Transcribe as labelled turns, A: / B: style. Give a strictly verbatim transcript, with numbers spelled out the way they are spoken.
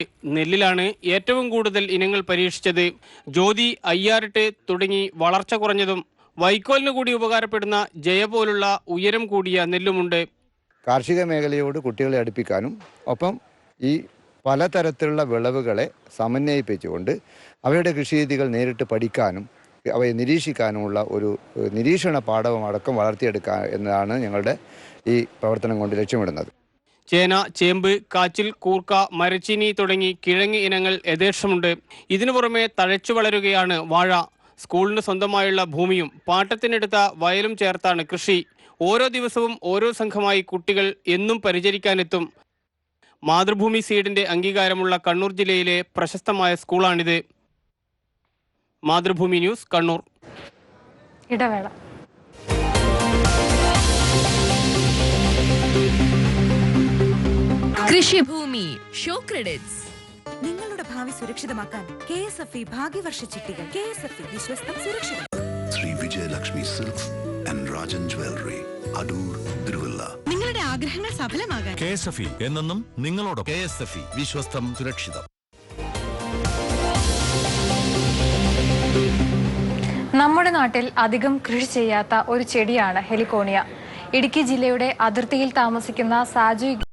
A: നെല്ലിലാണ് ഏറ്റവും കൂടുതൽ ഇനങ്ങൾ പരീക്ഷിച്ചത്. ജ്യോതി, അയ്യാറിട്ട് തുടങ്ങി വളർച്ച കുറഞ്ഞതും വൈക്കോലിന് കൂടി ഉപകാരപ്പെടുന്ന ജയ പോലുള്ള ഉയരം കൂടിയ നെല്ലുമുണ്ട്.
B: കാർഷിക മേഖലയോട് കുട്ടികളെ അടുപ്പിക്കാനും ഒപ്പം ഈ പലതരത്തിലുള്ള വിളവുകളെ സമന്വയിപ്പിച്ചുകൊണ്ട് അവയുടെ കൃഷിരീതികൾ നേരിട്ട് പഠിക്കാനും അവയെ നിരീക്ഷിക്കാനുമുള്ള ഒരു നിരീക്ഷണ പാഠവും അടക്കം വളർത്തിയെടുക്കുക എന്നതാണ് ഞങ്ങളുടെ ഈ പ്രവർത്തനം കൊണ്ട് ലക്ഷ്യമിടുന്നത്.
A: ചേന, ചേമ്പ്, കാച്ചിൽ, കൂർക്ക, മരച്ചീനി തുടങ്ങി കിഴങ്ങ് ഇനങ്ങൾ യഥേഷ്ടമുണ്ട്. ഇതിനു പുറമെ തഴച്ചു വളരുകയാണ് വാഴ. സ്കൂളിന് സ്വന്തമായുള്ള ഭൂമിയും പാട്ടത്തിനെടുത്ത വയലും ചേർത്താണ് കൃഷി. ഓരോ ദിവസവും ഓരോ സംഘമായി കുട്ടികൾ എന്നും പരിചരിക്കാനെത്തും. മാതൃഭൂമി സീഡിന്റെ അംഗീകാരമുള്ള കണ്ണൂർ ജില്ലയിലെ പ്രശസ്തമായ സ്കൂളാണിത്. മാതൃഭൂമി ന്യൂസ്, കണ്ണൂർ.
C: ഇടവേള.
D: കൃഷിഭൂമി ഷോ ക്രെഡിറ്റ്സ്.
E: നിങ്ങളുടെ ഭാവി സുരക്ഷിതമാക്കാൻ കെ എസ് എഫ് ഇ ഭാഗ്യവർഷ ചിട്ടികൾ. കെ എസ് എഫ് ഇ, വിശ്വസ്തം, സുരക്ഷിതം.
F: Shri Vijayalakshmi silks and Rajan jewellery, Adoor, Thiruvalla.
E: നിങ്ങളുടെ ആഗ്രഹങ്ങൾ സഫലമാകാൻ
G: കെ എസ് എഫ് ഇ എന്നെന്നും നിങ്ങളോട്. കെ എസ് എഫ് ഇ, വിശ്വസ്തം, സുരക്ഷിതം.
C: നമ്മുടെ നാട്ടിൽ അധികം കൃഷി ചെയ്യാത്ത ഒരു ചെടിയാണ് ഹെലിക്കോണിയ. ഇടുക്കി ജില്ലയുടെ അതിർത്തിയിൽ താമസിക്കുന്ന സാജു